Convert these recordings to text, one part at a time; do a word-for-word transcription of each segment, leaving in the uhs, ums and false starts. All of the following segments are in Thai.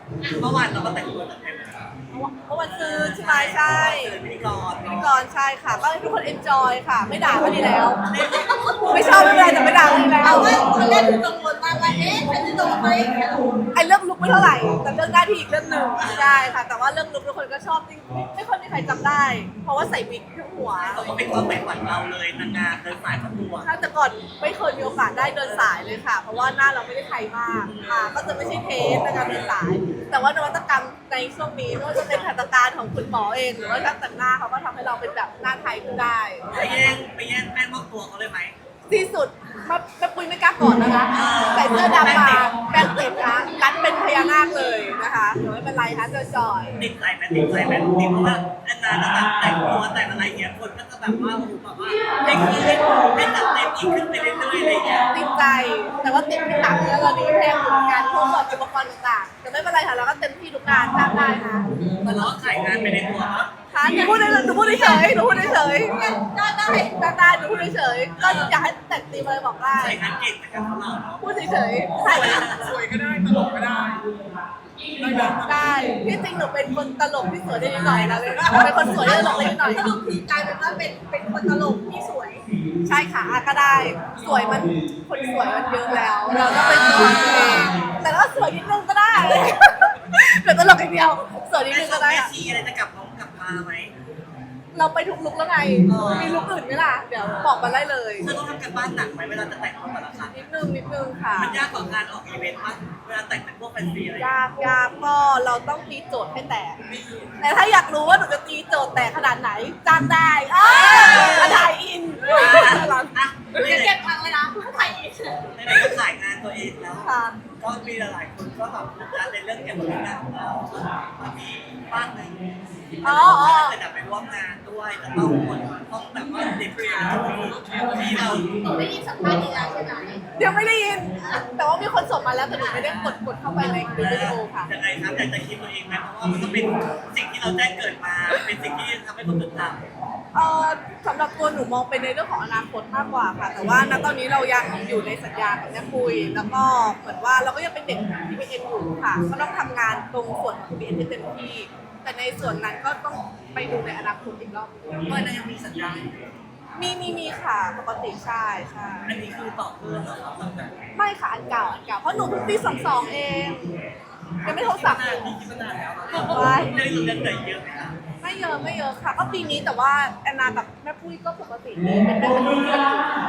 เมื่อวานเราก็แต่งตัวแต่งเต็มเมื่อวันซื้อใช่ไหมใช่พิธีกรพิธีกรใช่ค่ะก็ให้ทุกคนเอนจอยค่ะ ไม่ด่าก็ดีแล้ว ไม่ชอบไม่เป็นไรแต่ไม่ด่าก็ดีแล้วเอาว่าตอนแรกคือกังวลมากว่าเอ๊ะฉันจะโดนไหมไอ้เรื่องลุกไม่เท่าไหร่แต่เรื่องหน้าที่อีกเรื่องหนึ่งใช่ค่ะ แต่ว่าเรื่องลุกทุกคนก็ชอบจริงไม่ค่อยมีใครจำได้ เพราะว่าใส่วิกทั้งหัวเราก็เป็นความใฝ่ฝันเราเลยนางงามเดินสายประกวดถ้าแต่ก่อนไม่เคยมีโอกาสได้เดินสายเลยค่ะ เพราะว่าหน้าเราไม่ได้ไทยมากค่ะก็จะไม่ใช่เทสในการเดินสาย แต่ว่านวัตกรรมในช่วงนี้ไม่ว่าจะเป็นหัตถการของคุณหมอเองหรือว่าช่างแต่งหน้าเขาก็ทำให้เราเป็นแบบหน้าไทยขึ้นได้ไปแย่งไปแย่งแป้งมอบตัวเขาเลยไหมที่สุดมาแม่ปุ้ยไม่กล้าก่อนนะคะใส่เสื้อดำมาแป้งติดนะรัดเป็นพญานาคเลยนะคะเดี๋ยวไม่เป็นไรคะจอยติดใจไหมติดใจไหมติดเพราะว่าแอนนาจะแบบแต่งตัวแต่งอะไรเงี้ยคนก็จะแบบว่าโอ้โหแบบว่าให้ขึ้นให้จัดเต็มอีกขึ้นไปเรื่อยๆอะไรเงี้ยๆติดใจ แต่ว่าติดที่หนังแล้วตอนนี้แพงเหมือนกันพวกแบบอุปกรณ์ต่างๆแต่ไม่เป็นไรค่ะเราก็เต็มที่ทุกงานจ้างได้นะแต่เราก็ขายงานไปในตัวเนาะค่ะหนูพูดได้หนูพูดเฉยหนูพูดเฉยได้ได้จ้างได้หนูพูดเฉยก็อยากให้แต่งตีมอะไรบอกได้ใส่งานเก่งแต่กับเราเนาะพูดเฉยๆใช่สวยก็ได้ตลกก็ได้ได้ที่จริงหนูเป็นคนตลกที่สวยได้นิดหน่อยนะเลยเป็นคนสวยได้ตลกได้นิดหน่อยสรุปคือกลายเป็นว่าเป็นเป็นคนตลกที่สวยใช่ค่ะก็ได้ สวยมันคนสวยมันเยอะแล้ว เราก็เป็นตัวเองแต่ก็สวยนิดนึงก็ได้เป็นตลกอย่างเดียวสวยนิดแม่นึงชอก็บได้แม่อะชีอะไรจะกลับน้องกลับมาไหมเราไปทุกลุกแล้วไงมีลุกอื่นไหมล่ะเดี๋ยวบอกมาได้เลยเธอต้องทำกันบ้านหนักไหมเวลาจะแต่งตัวแต่ละครั้งนิดนึงนิดนึงค่ะมันยากกว่าการออกอีเวนต์ป่ะเวลาแต่งเป็นพวกแฟนซีอะไรยากยากก็เราต้องตีโจทย์ให้แตกแต่ถ้าอยากรู้ว่าหนูจะตีโจทย์แตกขนาดไหนจ้างได้อ้าวถ่ายอินอ่ะเก็บตังค์เลยนะไทยไหนๆก็ขายงานตัวเองแล้วค่ะก็มีหลายๆคนก็แบบโฟกัสในเรื่องเกี่ยวกับงานของเรามันมีบ้านหนึ่งที่เราจะไปร่วมงานด้วยแต่ต้องคนต้องแบบว่าเด็กเรียนที่เราหนูได้ยินสัมภาษณ์อีกแล้วใช่ไหมเดี๋ยวไม่ได้ยิน แต่ว่ามีคนส่งมาแล้วแต่หนูไม่ได้กดกดเข้าไปในวิดีโอค่ะยังไงครับอยากจะคิดตัวเองไหมเพราะว่ามันก็เป็นสิ่งที่เราแจ้งเกิดมาเป็นสิ่งที่ทำให้คนตื่นตาเอ่อสำหรับตัวหนูมองไปในเรื่องของอนาคตมากกว่าค่ะ แต่ว่าณตอนนี้เรายังอยู่ในสัญญากับแม่ปุยแล้วก็เหมือนว่าเราก็ยังเป็นเด็กทีพีเอ็นอยู่ค่ะก็ต้องทำงานตรงส่วนของทีพีเอ็นให้เต็มที่ แต่ในส่วนนั้นก็ต้องไปดูในอนาคตอีกรอบเมื่อนั้นยังมีสัญญาณมีมีมีค่ะปกติใช่ใช่อันนี้คือตอบเพื่อนเหรอครับตั้งแต่ไม่ค่ะอันเก่าอันเก่าเพราะหนูเพิ่งปีสองสองเองยังไม่โทรศัพท์นาเลนยมีคิดมานานแล้วไว้ได้รู้เรื่องไหนเยอะไหมคะไม่เยอะไม่เยอะค่ะ ก็ปีนี้แต่ว่าแอนนากับแม่ปุ้ยก็ปกติดีเป็นได้เป็นเพื่อนอยู่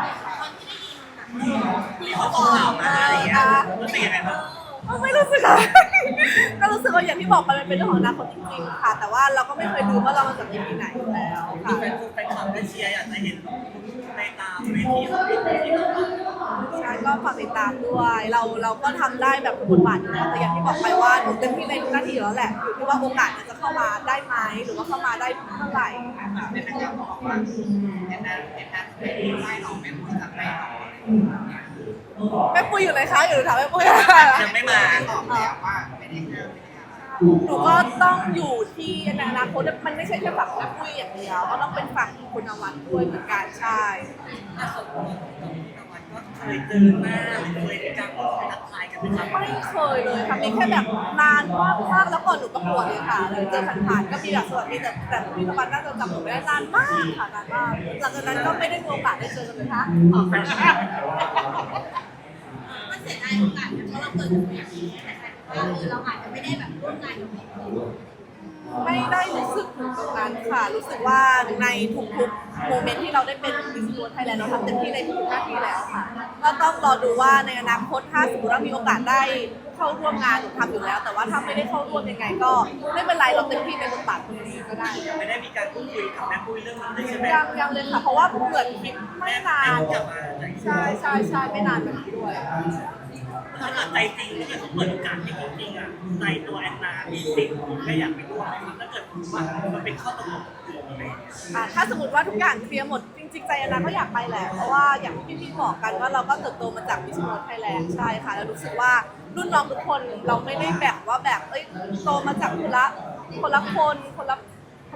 มีข้อข่าวมาอะไรอย่างเงี้ยรู้สึกยังไงบ้างไม่รู้สึกอะไร ก็รู้สึกว่าอย่างที่บอกไปมันเป็นเรื่องของอนาคตจริงๆค่ะ แต่ว่าเราก็ไม่เคยรู้ว่าเรามาจากที่ไหนอยู่แล้วมีค่ะแฟนคลับแฟนคลับได้เชียร์อยากจะเห็นในตามเวทีของที่เราทใช่ก็ฝากติดตามด้วย เราเราก็ทำได้แบบทุกบทบาทอยู่แล้วแต่อย่างที่บอกไปว่าหนูเต็มที่ในทุกหน้าที่อยู่แล้วแหละอยู่ที่ว่าโอกาสมันจะเข้ามาได้ไหมหรือว่าเข้ามาได้เมื่อไหร่นะคะำเป็นนักการบอกว่าเห็นนั้นเห็นนั้นเป็นไล่หนองเป็นผู้จัดไล่หนองแม่ปุ้ยอยู่ไหนคะอยู่ถามแม่ปุ้ยยังไม่มาบอกแล้วว่าไม่ได้ห้ามหนูก็ต้องอยู่ที่ในอนาคตมันไม่ใช่แค่ฝั่งแม่ปุ้ยอย่างเดียวก็ต้องเป็นฝั่งคุณนวัดด้วยเหมือนกันใช่แต่ส่วนตัวของพี่นวัดก็เคยเจอหน้าหรือเคยมีการพูดคุยทักทายกันไหมครับไม่เคยเลยค่ะมีแค่แบบนานมากมากแล้วก่อนหนูประกวดเลยค่ะเลยเจอผ่านๆก็มีแบบสวัสดีแต่แต่พี่นวัดน่าจะจำหนูไม่ได้นานมากค่ะนานมากหลังจากนั้นก็ไม่ได้มีโอกาสได้เจอกันเลยค่ะมันเสียดายโอกาสเพราะเราเกิดจากอย่างนี้แต่ว่าเออเราอาจจะไม่ได้แบบร่วมงานกับพี่ไม่ได้รู้สึกถึงตรงนั้นค่ะ รู้สึกว่าในทุกๆโมเมนต์ที่เราได้เป็นมิสยูนิเวิร์สไทยแลนด์เราทำเต็มที่ในทุกๆหน้าที่แล้วค่ะก็ต้องรอดูว่าในอนาคตถ้าสมมติว่ามีโอกาสได้เข้าร่วมงานหนูทำอยู่แล้ว แต่ว่าถ้าไม่ได้เข้าร่วมยังไงก็ไม่เป็นไรเราเต็มที่ในบทบาทตรงนี้ก็ได้ไม่ได้มีการพูดคุยกับแม่ปุ้ยเรื่องนั้นเลยใช่ไหมยังยังเลยค่ะเพราะว่าเหมือนคลิปไม่นานกลับมาใช่ใช่ใช่ไม่นานแบบนี้ด้วยถ้าเกิดใจจริงถ้าเกิดเขาเปิดโอกาสให้จริงๆอ่ะในตัวแอนนามีสิ่งไม่อยากไปร่วมถ้าเกิดว่ามันเป็นข้อตกลงอะไรอ่าถ้าสมมติว่าทุกอย่างเคลียร์หมดจริงๆใจอันนั้นก็อยากไปแหละเพราะว่าอย่างที่พี่บอกกันว่าเราก็เติบโตมาจากมิสยูนิเวิร์สไทยแลนด์ใช่ค่ะแล้วรู้สึกว่ารุ่นน้องทุกคนเราไม่ได้แบบว่าแบบเอ้ยโตมาจากคนละคนละคนคนละท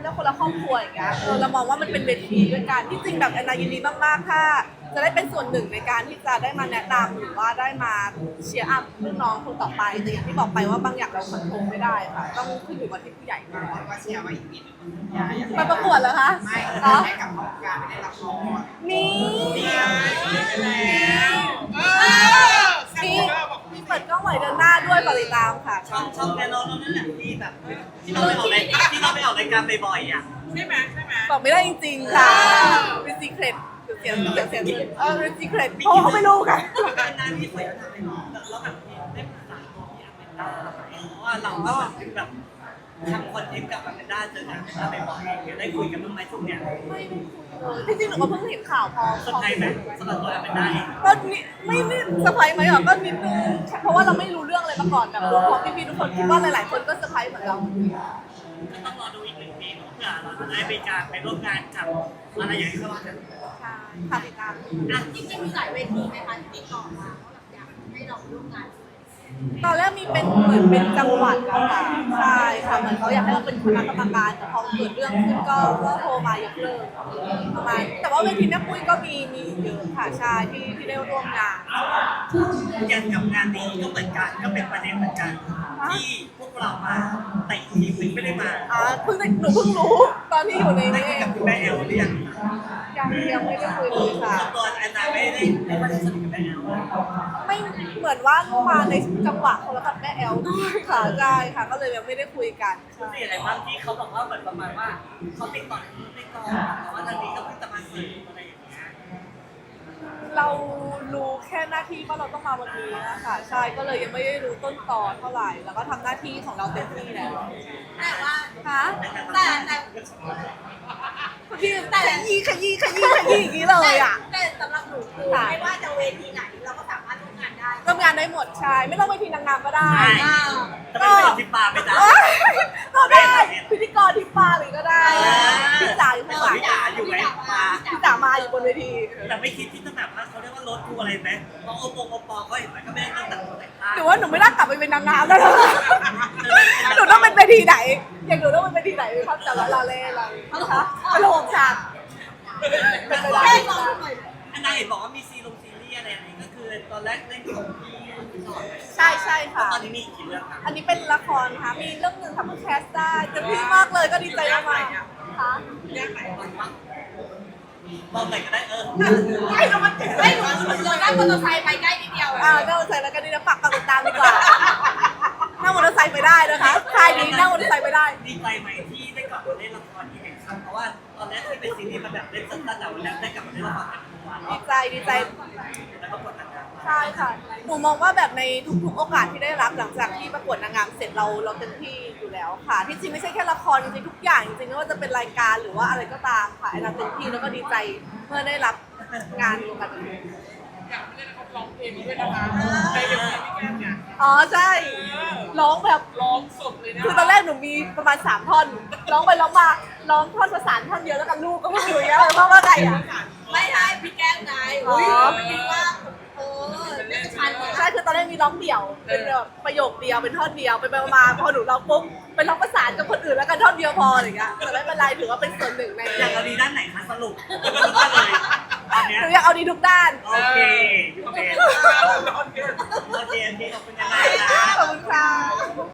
เขาเรียกคนละครอบครัวอย่างเงี้ยเออเรามองว่ามันเป็นเวทีด้วยกันที่จริงแบบแอนนายินดีมากๆถ้าจะได้เป็นส่วนหนึ่งในการที่จะได้มาแนะนำหรือว่าได้มาเชียร์อัพรุ่นน้องคนต่อไปแต่อย่างที่บอกไปว่าบางอย่างเราควบคุมไม่ได้ค่ะต้องขึ้นอยู่กับที่ผู้ใหญ่มากก็เชียร์ว่าอีกนิดนึงอย่าอย่าไปประกวดเหรอคะไม่อ๋อให้กับของการไม่ได้รับรองมีนี่ไงเออมีมีเปิดกล้องไหวเดือนหน้าด้วยฝากติดตามค่ะช่องช่องแกนเรานั่นแหละที่แบบที่เราไปออกรายการที่เราไปออกรายการบ่อยๆอ่ะใช่ไหมใช่ไหมบอกไม่ได้จริงๆค่ะเป็นซีเครตเสียงเสียงเสียงเออเป็นซีเครตเพราะเขาไม่รู้กันเป็นนานที่เคยทำไปแล้วแบบได้ปรึกษาตัวพี่อาเมนด้าเพราะว่าเราก็แบบทำคอนเทนต์กับอาเมนด้าเจอกันอาเมนด้าบ่อยๆเดี๋ยวได้คุยกันบ้างไหมช่วงเนี้ยจริงๆหนูก็เพิ่งเห็นข่าวพอสนใจไหมสำหรับตัวอาเมนด้าเองก็นิไม่ไม่เซอร์ไพรส์ไหมอ่ะก็นิดนึงเพราะว่าเราไม่รู้เรื่องอะไรมาก่อนแบบรู้ของพี่ๆทุกคนคิดว่าหลายๆคนก็เซอร์ไพรส์เหมือนเราก็ต้องรอดูอีกหนึ่งปีเพื่อเราจะได้ไปการไปร่วมงานกับอะไรอย่างที่เขาว่ากันใช่ค่ะติดตามอ่ะจริงๆมีหลายเวทีไหมคะที่ติดต่อมาว่าแบบอยากให้เราร่วมงานด้วยตอนแรกมีเป็นเหมือนเป็นจังหวัดอะค่ะใช่ค่ะเหมือนเขาอยากให้เราเป็นคณะกรรมการแต่พอเกิดเรื่องขึ้นก็ก็โทรมายกเลิกประมาณแต่ว่าเวทีแม่ปุ้ยก็มีมีเยอะค่ะใช่ที่ที่ได้ร่วมงานอย่างกับงานนี้ก็เหมือนกันก็เป็นประเด็นเหมือนกัน ที่พวกเรามาแต่อีกทีมไม่ได้มาอ่าเพิ่งได้หนูเพิ่งรู้ตอนที่อยู่ในได้นี้คุยกับคุณแม่แอลหรือยังยังยังไม่ได้คุยเลยค่ะตัวแอนนาไม่ได้ไม่ได้สนิทกับแม่แอลไม่เหมือนว่ามาในจังหวะคนละกับแม่แอลด้วยค่ะใช่ค่ะก็เลยยังไม่ได้คุยกันคือสิ่งอะไรบ้างที่เขาบอกว่าเหมือนประมาณว่าเขาติดต่อในกองแต่ว่าทางนี้ก็เพิ่งจะมาเสริมอะไรอย่างเงี้ยเรารู้แค่หน้าที่ว่าเราต้องมาวันนี้นะคะใช่ก็เลยยังไม่ได้รู้ต้นตอนเท่าไหร่ แล้วก็ทำหน้าที่ของเราเต็มที่แล้วแต่ว่าคะแต่แต่พี่แต่ขยี้ขยี้ขยี้ขยี้อย่างนี้เลยอ่ะแต่สำหรับหนูคือไม่ว่าจะเวทีไหนเราก็สามารถร่วมงานได้ทำงานได้หมดใช่ไม่ต้องไปทีนางงามก็ได้ใช่อ่าจะเป็นคนที่ปาไปจ้าเอ้ยก็ได้พิธีกรที่ปาเลยก็ได้พี่จ๋าอยู่ข้างหลังพี่จ๋าอยู่ไหมมาพี่จ๋ามาอยู่บนเวทีแต่ไม่คิดที่จะแบบว่าเขาเรียกว่ารถทัวร์อะไรไหมเพราะโอปงโอปอก็เห็นไหมก็ไม่ได้ตั้งแต่ตัวแต่งหรือว่าหนูไม่น่ากลับไปเป็นนางงามแล้วนะหนูต้องเป็นเวทีไหน อย่างหนูต้องเป็นเวทีไหนครับแต่ละลาเล่อะไรนะคะไปโรงฉากเป็นไปได้ให้ลองหน่อยอันนั้นเห็นบอกว่ามีซีรีส์ซีรีส์อะไรอะไรก็คือตอนแรกเล่นของพี่สอนใช่ใช่ค่ะตอนนี้มีกี่เรื่องครับอันนี้เป็นละครค่ะมีเรื่องหนึ่งทำเพื่อแคสได้เต็มที่มากเลยก็ดีใจมากๆค่ะเรื่องไหนบ้างบ้างบอกไหนก็ได้เออให้เรามันให้หนูเรานั่งมอเตอร์ไซค์ไปใกล้นิดเดียวอ่านั่งมอเตอร์ไซค์แล้วกันนี่นะฝากฝากติดตามดีกว่านั่งมอเตอร์ไซค์ไปได้นะคะใครนี้นั่งมอเตอร์ไซค์ไปได้ดีใจไหมที่ได้กลับมาเล่นละครอีกครั้งเพราะว่าตอนแรกที่เป็นซีรีส์มันแบบเล่นสั้นๆแต่วันนี้ได้กลับมาเล่นละครเป็นวันดีใจดีใจแล้วก็กดอันนั้นใช่ค่ะ หนูมองว่าแบบในทุกๆโอกาสที่ได้รับหลังจากที่ประกวดนางงามเสร็จเราเราเต็มที่อยู่แล้วค่ะ ที่จริงไม่ใช่แค่ละครจริงๆทุกอย่างจริงๆไม่ว่าจะเป็นรายการหรือว่าอะไรก็ตามค่ะแอนนาเต็มที่แล้วก็ดีใจเมื่อได้รับงานวงการบันเทิงอยากเล่นเขาร้องเพลงนี้ด้วยนะคะในเวทีพี่แก้มเนี่ยอ๋อใช่ร้องแบบร้องสดเลยนะคือตอนแรกหนูมีประมาณสามท่อนร้องไปร้องมาร้องท่อนประสานท่อนเดียวแล้วกันลูกก็ไม่อยู่อย่างเงี้ยเพราะว่าไงอ่ะไม่ใช่พี่แก้มไงอุ้ยไม่คิดว่าเออน่าจะชันกว่าใช่คือตอนแรกมีร้องเดี่ยวเป็นแบบประโยคเดียวเป็นท่อนเดียวไปไปมาๆพอหนูร้องปุ๊บไปร้องประสานกับคนอื่นแล้วกันท่อนเดียวพออะไรอย่างเงี้ยแต่ไม่เป็นไรถือว่าเป็นส่วนหนึ่งในอยากเอาดีด้านไหนคะสรุปก็เลยตอนเนี้ยหนูอยากเอาดีทุกด้านโอเคโอเคโอเคโอเคขอบคุณยังไงนะขอบคุณค่ะ